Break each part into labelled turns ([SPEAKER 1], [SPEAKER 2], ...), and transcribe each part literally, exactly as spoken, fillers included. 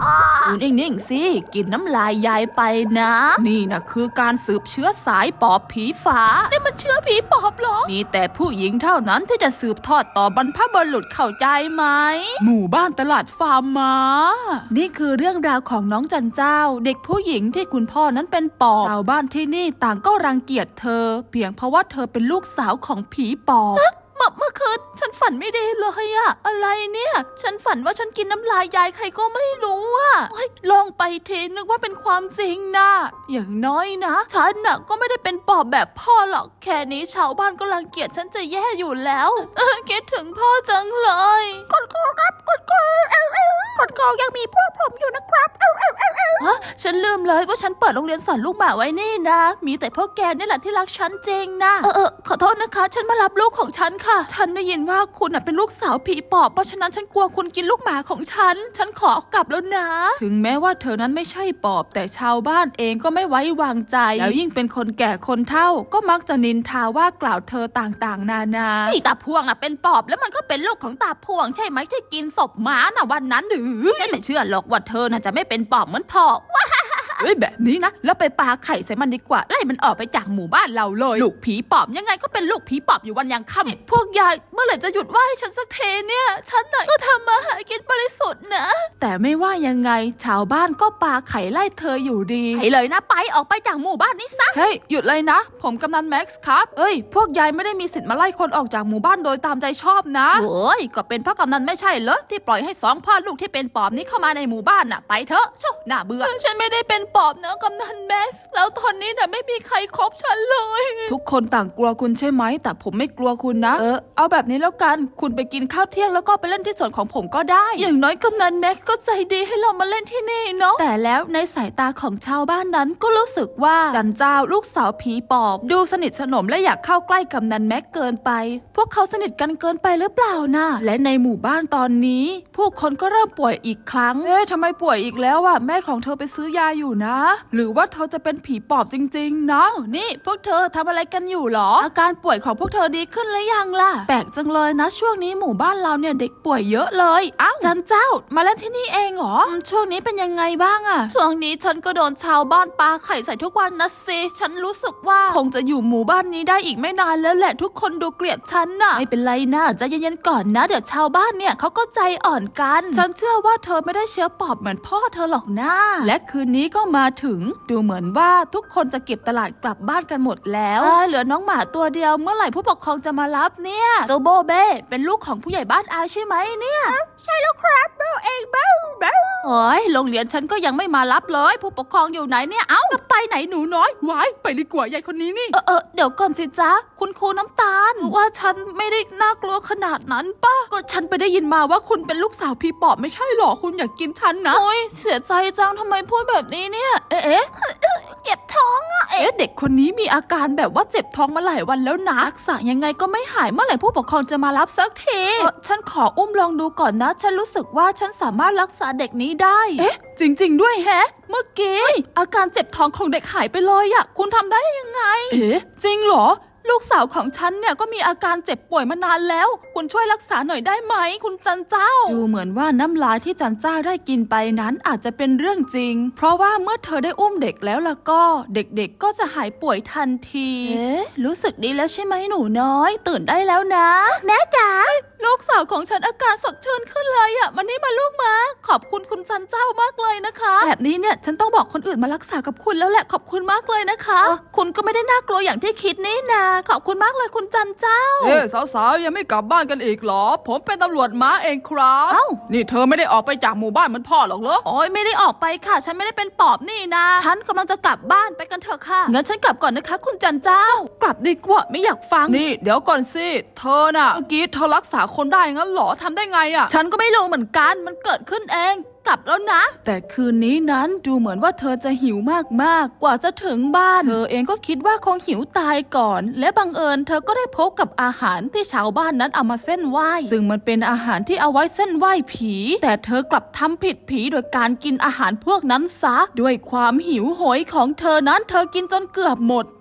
[SPEAKER 1] คุณนิ่งๆสิกินน้ำลายยายไปนะนี่นะคือการสืบเชื้อสายปอบผีฝานี่มันเชื้อผีปอบเหรอมีแต่ผู้หญิงเท่านั้นที่จะสืบทอดต่อบรรพบุรุษเข้าใจไหมหมู่บ้านตลาดฟาร์มม้านี่คือเรื่องราวของน้องจันเจ้าเด็กผู้หญิงที่คุณพ่อนั้นเป็นปอบชาวบ้านที่นี่ต่างก็รังเกียจเธอเพียงเพราะว่าเธอเป็นลูกสาวของผีปอบเมื่อเมื่อคืนฉันฝันไม่ดีเลยอะอะไรเนี่ยฉันฝันว่าฉันกินน้ำลายยายใครก็ไม่รู้อะลองไปเทนึกว่าเป็นความจริงนะอย่างน้อยนะฉันน่ะก็ไม่ได้เป็นปอบแบบพ่อหรอกแค่นี้ชาวบ้านก็รังเกียจฉันจะแย่อยู่แล้วคิดถึงพ่อจังเลยกดโกครับกดโกเอลเอลกดโกยังมีพวกผมอยู่นะครับเอลเอลเอลเอลฮะฉันลืมเลยว่าฉันเปิดโรงเรียนสอนลูกหมาไว้นี่นะมีแต่พวกแกนี่แหละที่รักฉันจริงนะเออเออขอโทษนะคะฉันมารับลูกของฉันค่ะฉันได้ยินว่าคุณเป็นลูกสาวผีปอบเพราะฉะนั้นฉันกลัวคุณกินลูกหมาของฉันฉันขอกลับแล้วนะถึงแม้ว่าเธอนั้นไม่ใช่ปอบแต่ชาวบ้านเองก็ไม่ไว้วางใจแล้วยิ่งเป็นคนแก่คนเฒ่าก็มักจะนินทาว่ากล่าวเธอต่างๆนานาไอ้ตาพวงน่ะเป็นปอบแล้วมันก็เป็นลูกของตาพวงใช่ไหมที่กินศพหมาน่ะวันนั้นหรือไม่เชื่อหรอกว่าเธอน่ะจะไม่เป็นปอบเหมือนพ่อเฮ้ยแบบนี้นะแล้วไปปาไข่ใส่มันดีกว่าไล่มันออกไปจากหมู่บ้านเราเลยลูกผีปอบยังไงก็เป็นลูกผีปอบอยู่วันยังค่ำพวกยายเมื่อไหร่จะหยุดว่าให้ฉันสักเทเนี่ยฉันน่ะก็ทำมาหากินบริสุทธิ์นะแต่ไม่ว่ายังไงชาวบ้านก็ปาไข่ไล่เธออยู่ดีไปเลยนะไปออกไปจากหมู่บ้านนี้ซะเฮ้ยหยุดเลยนะผมกำนันแม็กซ์ครับเอ้ยพวกยายไม่ได้มีสิทธิ์มาไล่คนออกจากหมู่บ้านโดยตามใจชอบนะโอ้ยก็เป็นเพราะกำนันไม่ใช่เหรอที่ปล่อยให้สองพ่อลูกที่เป็นปอบนี้เข้ามาในหมู่บ้านน่ะไปเถอะชั่วน่าเบื่อฉันไม่ได้เป็นปอบนะกำนันแม็กซ์แล้วตอนนี้น่ะไม่มีใครคบฉันเลยทุกคนต่างกลัวคุณใช่ไหมแต่ผมไม่กลัวคุณนะเออเอาแบบนี้แล้วกันคุณไปกินข้าวเที่ยงแล้วก็ไปเล่นที่สวนของผมก็ได้อย่างน้อยกำนันแม็กซ์ก็ใจดีให้เรามาเล่นที่นี่เนาะแต่แล้วในสายตาของชาวบ้านนั้นก็รู้สึกว่าจันเจ้าลูกสาวผีปอบดูสนิทสนมและอยากเข้าใกล้กำนันแม็กซ์เกินไปพวกเขาสนิทกันเกินไปหรือเปล่านะและในหมู่บ้านตอนนี้ผู้คนก็เริ่มป่วยอีกครั้งเอ๊ะทำไมป่วยอีกแล้วอะแม่ของเธอไปซื้อยาอยู่นะหรือว่าเธอจะเป็นผีปอบจริงๆนะนี่พวกเธอทำอะไรกันอยู่หรออาการป่วยของพวกเธอดีขึ้นหรือยังล่ะแปลกจังเลยนะช่วงนี้หมู่บ้านเราเนี่ยเด็กป่วยเยอะเลยอ้าวจันเจ้ามาเล่นที่นี่เองเหรอช่วงนี้เป็นยังไงบ้างอะช่วงนี้ฉันก็โดนชาวบ้านปาไข่ใส่ทุกวันนะสิฉันรู้สึกว่าคงจะอยู่หมู่บ้านนี้ได้อีกไม่นานแล้วแหละทุกคนดูเกลียดฉันน่ะไม่เป็นไรนะใจเย็นๆก่อนนะเดี๋ยวชาวบ้านเนี่ยเขาก็ใจอ่อนกันฉันเชื่อว่าเธอไม่ได้เชื้อปอบเหมือนพ่อเธอหรอกนะและคืนนี้ก็มาถึงดูเหมือนว่าทุกคนจะเก็บตลาดกลับบ้านกันหมดแล้วเหลือน้องหมาตัวเดียวเมื่อไหร่ผู้ปกครองจะมารับเนี่ยเจ้าโบเบ้เป็นลูกของผู้ใหญ่บ้านอาใช่ไหมเนี่ยใช่แล้วครับโบเองเบ้าเบ้าโอ้ยโรงเรียนฉันก็ยังไม่มารับเลยผู้ปกครองอยู่ไหนเนี่ยเอ้าจะไปไหนหนูน้อยวายไปดีกว่ายายคนนี้นี่เออเออเดี๋ยวก่อนสิจ๊ะคุณครูน้ำตาลว่าฉันไม่ได้น่ากลัวขนาดนั้นป่ะก็ฉันไปได้ยินมาว่าคุณเป็นลูกสาวพี่ปอบไม่ใช่หรอคุณอยากกินฉันนะโอ้ยเสียใจจังทำไมพูดแบบนี้เนี่ยเอ๊ะเจ็บท้องอะเอ๊ะเด็กคนนี้มีอาการแบบว่าเจ็บท้องมาหลายวันแล้วนะรักษายังไงก็ไม่หายเมื่อไหร่ผู้ปกครองจะมารับสักทีฉันขออุ้มลองดูก่อนนะฉันรู้สึกว่าฉันสามารถรักษาเด็กนี้ได้เอ๊ะจริงๆด้วยแฮะเมื่อกี้อาการเจ็บท้องของเด็กหายไปเลยอะคุณทำได้ยังไงเอ๊ะจริงเหรอลูกสาวของฉันเนี่ยก็มีอาการเจ็บป่วยมานานแล้วคุณช่วยรักษาหน่อยได้ไหมคุณจันเจ้าดูเหมือนว่าน้ำลายที่จันเจ้าได้กินไปนั้นอาจจะเป็นเรื่องจริงเพราะว่าเมื่อเธอได้อุ้มเด็กแล้วล่ะก็เด็กๆก็จะหายป่วยทันทีเอ๊ะรู้สึกดีแล้วใช่ไหมหนูน้อยตื่นได้แล้วนะแม่จ๋าลูกสาวของฉันอาการสดชื่นขึ้นเลยอ่ะมันนี่มาลูกมาขอบคุณคุณจันเจ้ามากเลยนะคะแบบนี้เนี่ยฉันต้องบอกคนอื่นมารักษากับคุณแล้วแหละขอบคุณมากเลยนะคะคุณก็ไม่ได้น่ากลัวอย่างที่คิดนี่นะขอบคุณมากเลยคุณจันเจ้า
[SPEAKER 2] เฮ้สาวๆยังไม่กลับบ้านกันอีกเหรอผมเป็นตำรวจม้าเองครับ
[SPEAKER 1] เอ้า
[SPEAKER 2] นี่เธอไม่ได้ออกไปจากหมู่บ้านเหมือนพ่อหรอกเหรอ
[SPEAKER 1] โอ้ยไม่ได้ออกไปค่ะฉันไม่ได้เป็นปอบนี่นะฉันกำลังจะกลับบ้านไปกันเถอะค่ะงั้นฉันกลับก่อนนะคะคุณจันเจ้ากลับดีกว่าไม่อยากฟัง
[SPEAKER 2] นี่เดี๋ยวก่อนสิเธอน่ะเมื่อกี้เธอรักษาคนได้งั้นเหรอทำได้ไงอ่ะ
[SPEAKER 1] ฉันก็ไม่รู้เหมือนกันมันเกิดขึ้นเองกลับแล้วนะแต่คืนนี้นั้นดูเหมือนว่าเธอจะหิวมากๆกว่าจะถึงบ้านเธอเองก็คิดว่าคงหิวตายก่อนและบังเอิญเธอก็ได้พบกับอาหารที่ชาวบ้านนั้นเอามาเส้นไหว้ซึ่งมันเป็นอาหารที่เอาไว้เส้นไหว้ผีแต่เธอกลับทำผิดผีโดยการกินอาหารพวกนั้นซะด้วยความหิวโหยของเธอนั้นเธอกินจนเกือบหมด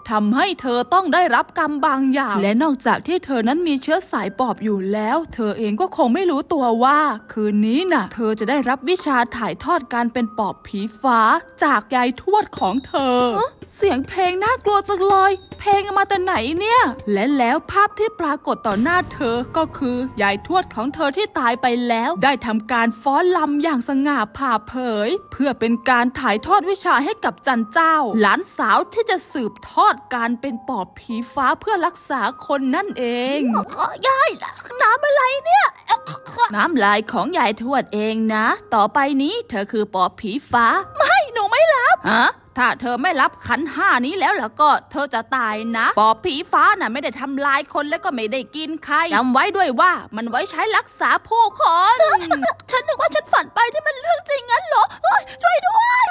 [SPEAKER 1] ทำให้เธอต้องได้รับกรรมบางอย่างและนอกจากที่เธอนั้นมีเชื้อสายปอบอยู่แล้วเธอเองก็คงไม่รู้ตัวว่าคืนนี้น่ะเธอจะได้รับวิชาถ่ายทอดการเป็นปอบผีฟ้าจากยายทวดของเธอเสียงเพลงน่ากลัวจังเลยเพลงมาแต่ไหนเนี่ยและแล้วภาพที่ปรากฏต่อหน้าเธอก็คือยายทวดของเธอที่ตายไปแล้วได้ทำการฟ้อนรำอย่างสง่าผ่าเผยเพื่อเป็นการถ่ายทอดวิชาให้กับจันเจ้าหลานสาวที่จะสืบทอดการเป็นปอบผีฟ้าเพื่อรักษาคนนั่นเองยายน้ำอะไรเนี่ยน้ำลายของยายทวดเองนะต่อไปนี้เธอคือปอบผีฟ้าไม่หนูไม่รับฮะถ้าเธอไม่รับขันห้านี้แล้วล่ะก็เธอจะตายนะปอบผีฟ้าน่ะไม่ได้ทำลายคนแล้วก็ไม่ได้กินใครจำไว้ด้วยว่ามันไว้ใช้รักษาผู้คนฉันนึกว่าฉันฝันไปนี่มันเรื่องจริงงั้นเหรอช่วยด้วย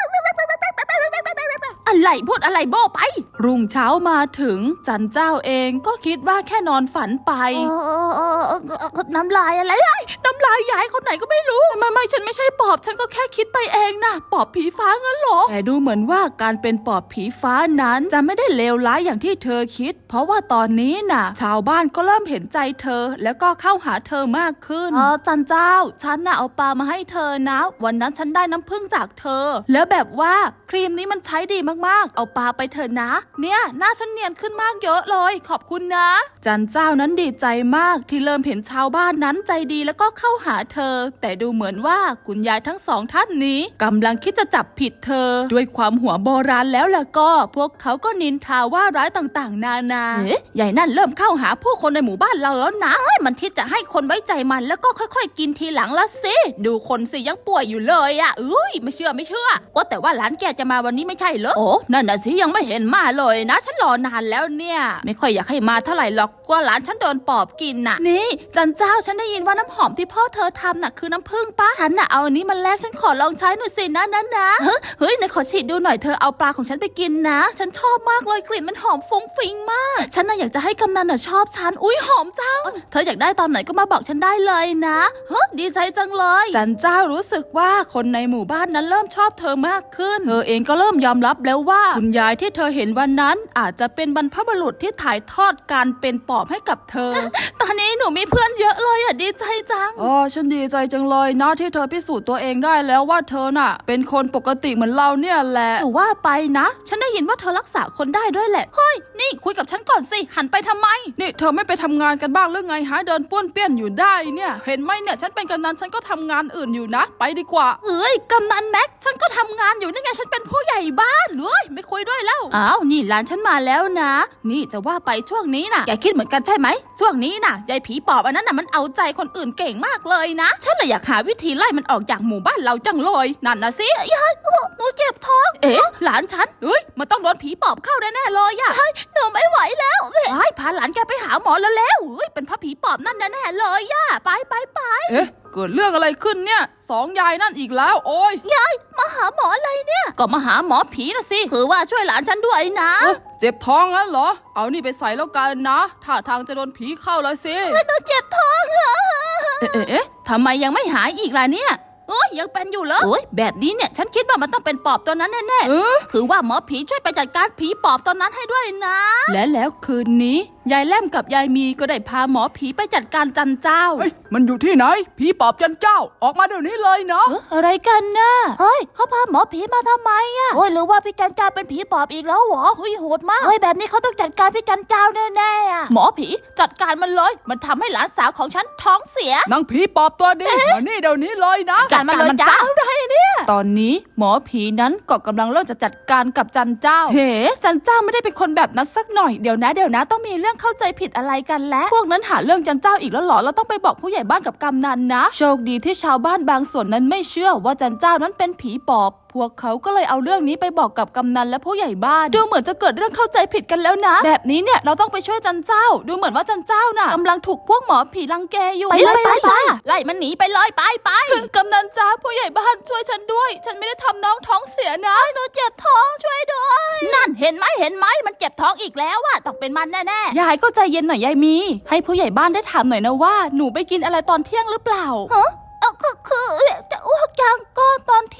[SPEAKER 1] อะไรพูดอะไรโบ้ไปรุ่งเช้ามาถึงจันเจ้าเองก็คิดว่าแค่นอนฝันไปน้ำลายอะไรน้ำลายยายคนไหนก็ไม่รู้ไม่ไม่ฉันไม่ใช่ปอบฉันก็แค่คิดไปเองนะปอบผีฟ้างั้นเหรอแต่ดูเหมือนว่าการเป็นปอบผีฟ้านั้นจะไม่ได้เลวร้ายอย่างที่เธอคิดเพราะว่าตอนนี้น่ะชาวบ้านก็เริ่มเห็นใจเธอแล้วก็เข้าหาเธอมากขึ้นเออจันเจ้าฉันน่ะเอาปลามาให้เธอนะวันนั้นฉันได้น้ำผึ้งจากเธอแล้วแบบว่าครีมนี้มันใช้ดีมากๆเอาปลาไปเถอะนะเนี่ยหน้าฉันเนียนขึ้นมากเยอะเลยขอบคุณนะจันเจ้านั้นดีใจมากที่เริ่มเห็นชาวบ้านนั้นใจดีแล้วก็เข้าหาเธอแต่ดูเหมือนว่าคุณยายทั้งสองท่านนี้กำลังคิดจะจับผิดเธอด้วยความหัวโบราณแล้วล่ะก็พวกเขาก็นินทาว่าร้ายต่างๆนานาเอ๊ะใหญ่นั่นเริ่มเข้าหาผู้คนในหมู่บ้านเราแล้วนะเอ้ยมันคิดจะให้คนไว้ใจมันแล้วก็ค่อยๆกินทีหลังละสิดูคนสิยังป่วยอยู่เลยอ่ะเอ้ยไม่เชื่อไม่เชื่อว่าแต่ว่าหลานแกจะมาวันนี้ไม่ใช่เหรอโอ้นั่นน่ะสิยังไม่เห็นมาเลยนะฉันรอนานแล้วเนี่ยไม่ค่อยอยากให้มาเท่าไหร่หรอกกลัวหลานฉันโดนปอบกินน่ะนี่จันเจ้าฉันได้ยินว่าน้ำหอมที่พ่อเธอทำน่ะคือน้ำผึ้งปะฉันน่ะเอาอันนี้มาแลกฉันขอลองใช้หน่อยสินะนะนะเฮ้ยไหนขอฉีดดูหน่อยเธอเอาปลาของฉันไปกินนะฉันชอบมากเลยกลิ่นมันหอมฟุ้งฟิ้งมากฉันน่ะอยากจะให้กำนันน่ะชอบฉันอุ้ยหอมจังเธออยากได้ตอนไหนก็มาบอกฉันได้เลยนะเฮ้ยดีใจจังเลยจันเจ้ารู้สึกว่าคนในหมู่บ้านนั้นเริ่มชอบเธอมากขึ้นเธอเองก็เริ่มยอมรับแล้วว่าคุณยายที่เธอเห็นวันนั้นอาจจะเป็นบรรพบุรุษที่ถ่ายทอดการเป็นปอบให้กับเธอ ตอนนี้หนูมีเพื่อนเยอะเลยอ่ะดีใจจัง
[SPEAKER 2] อ๋อฉันดีใจจังเลยนะที่เธอพิสูจน์ตัวเองได้แล้วว่าเธอน่ะเป็นคนปกติเหมือนเราเนี่ยแหละ
[SPEAKER 1] แต่ว่าไปนะฉันได้ยินว่าเธอรักษาคนได้ด้วยแหละเฮ้ยนี่คุยกับฉันก่อนสิหันไปทำไม
[SPEAKER 2] นี่เธอไม่ไปทำงานกันบ้างหรือไงหาเดินป้วนเปี้ยนอยู่ได้เนี่ยเห็นไหมเนี่ยฉันเป็นกำนันฉันก็ทำงานอื่นอยู่นะไปดีกว่า
[SPEAKER 1] เอ้ยกำนันแม็กฉันก็ทำงานอยู่นี่ไงฉันเป็นผู้ใหญ่บ้านเลยไม่คุยด้วยแล้วอ้าวนี่หลานฉันมาแล้วนะนี่จะว่าไปช่วงนี้น่ะแกคิดเหมือนกันใช่ไหมช่วงนี้น่ะยายผีปอบอันนั้นน่ะมันเอาใจคนอื่นเก่งมากเลยนะฉันเลยอยากหาวิธีไล่มันออกจากหมู่บ้านเราจังเลยนั่นนะสิยายหนูเจ็บท้องเอ๊ะหลานฉันเฮ้ยมันต้องโดนผีปอบเข้าแน่ๆเลยอะหนูไม่ไหวแล้วไอ้พาหลานแกไปหาหมอแล้วแล้วเฮ้ยเป็นเพราะผีปอบนั่นแน่ๆเลยอะไปไปไป
[SPEAKER 2] เอ๊ะเกิดเรื่องอะไรขึ้นเนี่ยสองยายนั่นอีกแล้วโอ้ย
[SPEAKER 1] ยายมาหาหมออะไรเนี่ยก็มาหาหมอผีนะสิคือว่าช่วยหลานฉันด้วยนะ
[SPEAKER 2] เจ็บท้องงั้นเหรอเอานี่ไปใส่แล้วกันนะท่าทางจะโดนผีเข้าแล้วสิ
[SPEAKER 1] หนูเจ็บท้องเหรอเอ๊ะเอ๊ะทำไมยังไม่หายอีกล่ะเนี่ยโอ้ยยังเป็นอยู่เหรอโอ้ยแบบนี้เนี่ยฉันคิดว่ามันต้องเป็นปอบตัวนั้นแน่ๆคือว่าหมอผีช่วยไปจัดการผีปอบตัวนั้นให้ด้วยนะและแล้วคืนนี้ยายแล่มกับยายมีก็ได้พาหมอผีไปจัดการจันเจ้า
[SPEAKER 2] เฮ้ยมันอยู่ที่ไหนผีปอบจันเจ้าออกมาเดี๋ยวนี้เลยเนาะ
[SPEAKER 1] อะไรกันนะเฮ้ยเขาพาหมอผีมาทำไมอะโอ้ยหรือว่าพี่จันเจ้าเป็นผีปอบอีกแล้วหรอเฮ้ยโหดมากเฮ้ยแบบนี้เขาต้องจัดการพี่จันเจ้าแน่ๆอะหมอผีจัดการมันเลยมันทำให้หลานสาวของฉันท้องเสีย
[SPEAKER 2] นางผีปอบตัวดีมานี่เดี๋ยวนี้เลยนะ
[SPEAKER 1] จัดการมันเลยจ้าอะไรเนี่ย
[SPEAKER 2] ตอนนี้หมอผีนั้นก็กำลังเริ่มจะจัดการกับจันเจ้า
[SPEAKER 1] เฮ้จันเจ้าไม่ได้เป็นคนแบบนั้นสักหน่อยเดี๋ยวนะเดี๋ยวนะต้องมีเรื่องเข้าใจผิดอะไรกันแล้วพวกนั้นหาเรื่องจันเจ้าอีกแล้วหรอเราต้องไปบอกผู้ใหญ่บ้านกับกำนันนะโชคดีที่ชาวบ้านบางส่วนนั้นไม่เชื่อว่าจันเจ้านั้นเป็นผีปอบพวกเขาก็เลยเอาเรื่องนี้ไปบอกกับกำนันและผู้ใหญ่บ้านดูเหมือนจะเกิดเรื่องเข้าใจผิดกันแล้วนะแบบนี้เนี่ยเราต้องไปช่วยจันเจ้าดูเหมือนว่าจันเจ้าน่ะกำลังถูกพวกหมอผีรังแกอยู่ไปเลยไปไปไล่มันหนีไปเลยไปไป
[SPEAKER 2] กำนันจ้าผู้ใหญ่บ้านช่วยฉันด้วยฉันไม่ได้ทำน้องท้องเสียนะ
[SPEAKER 1] หนูเจ็บท้องช่วยด้วยนั่นเห็นไหมเห็นไหมมันเจ็บท้องอีกแล้วอะต้องเป็นมันแน่
[SPEAKER 2] ๆยายก็ใจเย็นหน่อยยายมีให้ผู้ใหญ่บ้านได้ถามหน่อยนะว่าหนูไปกินอะไรตอนเที่ยงหรือเปล่า
[SPEAKER 1] ฮะคือคือจะอ้วกจังก็ตอนเที่ยงไหน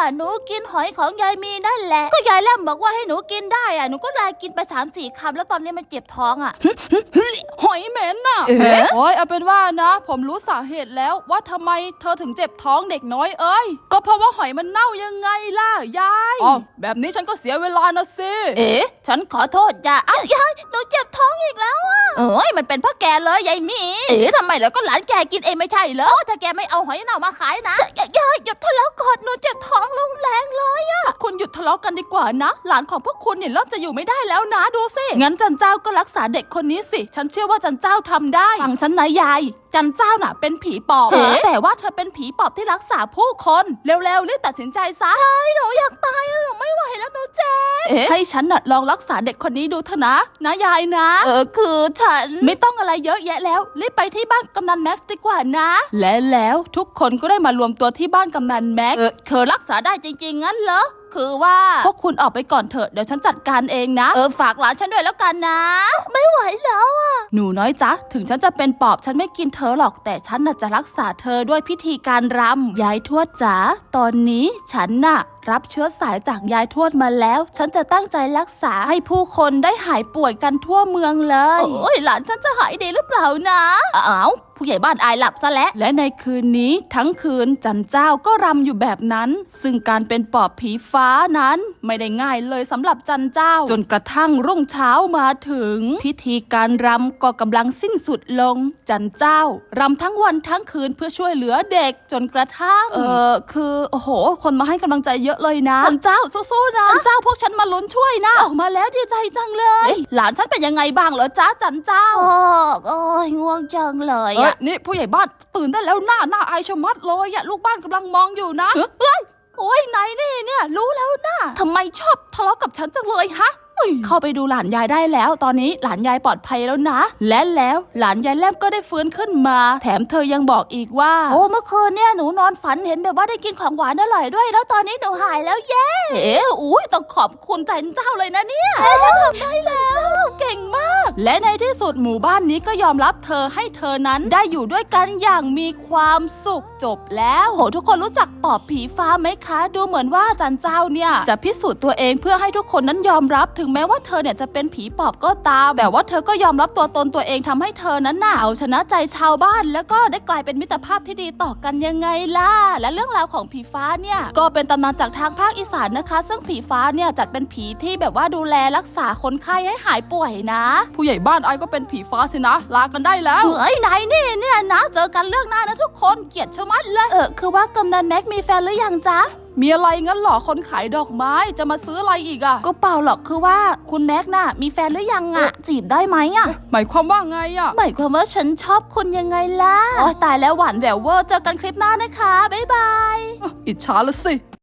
[SPEAKER 1] หนูกินหอยของยายมีนั่นแหละก็ยายแลมบอกว่าให้หนูกินได้อ่ะหนูก็เลยกินไปสามสี่คำแล้วตอนนี้มันเจ็บท้องอ่ะ
[SPEAKER 2] หอยเหม็นน่ะ
[SPEAKER 1] เอ๊ะ
[SPEAKER 2] โอ้ยเอาเป็นว่านะ ผมรู้สาเหตุแล้วว่าทำไมเธอถึงเจ็บท้องเด็กน้อยเอ้ยก็เพราะว่าหอยมันเน่ายังไงล่ะยายอ๋อแบบนี้ฉันก็เสียเวลานะสิ
[SPEAKER 1] เอ๊ะฉันขอโทษจ้ะอ้าวยายหนูเจ็บท้องอีกแล้วอ่ะเอ้ยมันเป็นเพราะแกเลยยายมีเอ๊ะทำไมแล้วก็หลานแกกินเองไม่ใช่เหรอถ้าแกไม่เอาหอยเน่ามาขายนะยายยายหยุดทะเลาะก่อนหนูเจ็บท้องลงแรงเลยอ่ะ
[SPEAKER 2] คุณหยุดทะเลาะกันดีกว่านะ หลานของพวกคุณเนี่ยเริ่มจะอยู่ไม่ได้แล้วนะดูสิงั้นจันเจ้าก็รักษาเด็กคนนี้สิฉันเชื่อว่าจันเจ้าทำได้ฟังฉันนะยายจันเจ้าน่ะเป็นผีปอบ
[SPEAKER 1] เอ๊ะ
[SPEAKER 2] แต่ว่าเธอเป็นผีปอบที่รักษาผู้คนเร็วๆรีบตัดสินใจซะ
[SPEAKER 1] หนูอยากตายอะหนูไม่ไหวแล้วหนูเจ็บ
[SPEAKER 2] เอ๊ะให้ฉันน่ะลองรักษาเด็กคนนี้ดูเถอะนะนะยายนะ
[SPEAKER 1] เออคือฉัน
[SPEAKER 2] ไม่ต้องอะไรเยอะแยะแล้วรีบไปที่บ้านกำนันแม็กซ์ดีกว่านะ และแล้วทุกคนก็ได้มารวมตัวที่บ้านกำนันแม็กซ์
[SPEAKER 1] เออเธอรักษาได้จริงๆงั้นเหรอคือว่า
[SPEAKER 2] พวกคุณออกไปก่อนเถอะเดี๋ยวฉันจัดการเองนะ
[SPEAKER 1] เออฝากหลานฉันด้วยแล้วกันนะ ไม่ไหวแล้วอะ
[SPEAKER 2] หนูน้อยจ๊ะถึงฉันจะเป็นปอบฉันไม่กินเธอหรอกแต่ฉันน่ะจะรักษาเธอด้วยพิธีการรำยายทวดจ๋าตอนนี้ฉันน่ะรับเชื้อสายจากยายทวดมาแล้ว ฉันจะตั้งใจรักษาให้ผู้คนได้หายป่วยกันทั่วเมืองเลย
[SPEAKER 1] โอ้ยหลานฉันจะหายดีหรือเปล่านะอ้าวผู้ใหญ่บ้านอายหลับซะแล้ว
[SPEAKER 2] และในคืนนี้ทั้งคืนจันเจ้าก็รำอยู่แบบนั้น ซึ่งการเป็นปอบผีฟ้านั้นไม่ได้ง่ายเลยสำหรับจันเจ้า จนกระทั่งรุ่งเช้ามาถึง พิธีการรำก็กำลังสิ้นสุดลง จันเจ้ารำทั้งวันทั้งคืนเพื่อช่วยเหลือเด็กจนกระทั่ง เออคือโอ้โห คนมาให้กำลังใจเยอะเลยนะ
[SPEAKER 1] จันเจ้าสู้ๆนะ
[SPEAKER 2] จันเจ้าพวกฉันมาลุ้นช่วยนะ ออกมาแล้วดีใจจังเลย หลานฉันเป็นยังไงบ้างเหรอจ๊ะจันเจ้า
[SPEAKER 1] โอ้โอ้ยง่วงจังเลย
[SPEAKER 2] เอ้ย
[SPEAKER 1] อะ
[SPEAKER 2] นี่ผู้ใหญ่บ้านตื่นได้แล้วหน้าหน้าอายชะมัดเลยอะลูกบ้านกำลังมองอยู่นะเอ้ยโอ้ยไหนนี่เนี่ยรู้แล้วนะทำไมชอบทะเลาะกับฉันจังเลยฮะเอ้ยเข้าไปดูหลานยายได้แล้ว ตอนนี้หลานยายปลอดภัยแล้วนะ และแล้วหลานยายแลมก็ได้ฟื้นขึ้นมา แถมเธอยังบอกอีกว่า
[SPEAKER 1] โอ้เมื่อคืนเนี่ยหนูนอนฝันเห็นแบบว่าได้กินของหวานอร่อยด้วยแล้วตอนนี้หนูหายแล้วเย้
[SPEAKER 2] เอ๋อุ้ยต้องขอบคุณจันเจ้าเลยนะเนี่ยฉันทำได้แล้วเก่งมาก และในที่สุดหมู่บ้านนี้ก็ยอมรับเธอให้เธอนั้นได้อยู่ด้วยกันอย่างมีความสุขจบแล้วโหทุกคนรู้จักปอบผีฟ้าไหมคะ ดูเหมือนว่าจันเจ้าเนี่ยจะพิสูจน์ตัวเองเพื่อให้ทุกคนนั้นยอมรับถึงแม้ว่าเธอเนี่ยจะเป็นผีปอบก็ตาม แต่ว่าเธอก็ยอมรับตัวตนตัวเองทำให้เธอนั้นน่ะเอาชนะใจชาวบ้าน แล้วก็ได้กลายเป็นมิตรภาพที่ดีต่อกันยังไงล่ะและเรื่องราวของผีฟ้าเนี่ยก็เป็นตำนานจากทางภาคอีสานนะคะ ซึ่งผีฟ้าเนี่ยจัดเป็นผีที่แบบว่าดูแลรักษาคนไข้ให้หายป่วยนะ ผู้ใหญ่บ้านไอ้ก็เป็นผีฟ้าสินะลากันได้แล้ว
[SPEAKER 1] เฮ้ยไหนนี่เนี่ยนะเจอกันเรื่องหน้านะทุกคนเกลียดชะมัดเลยเออคือว่ากำนันแม็กมีแฟนหรือยังจ๊ะ
[SPEAKER 2] มีอะไรงั้นเหรอคนขายดอกไม้จะมาซื้ออะไรอีกอะ
[SPEAKER 1] ก็เปล่าหรอกคือว่าคุณแม็กน่ะมีแฟนหรือยังอะจีบได้ไหมอะ
[SPEAKER 2] หมายความว่าไงอะ
[SPEAKER 1] หมายความว่าฉันชอบคุณยังไงล่ะโอ้ตายแล้วหวานแหววเวอร์เจอกันคลิปหน้านะคะบ๊ายบาย
[SPEAKER 2] อิจฉาละสิ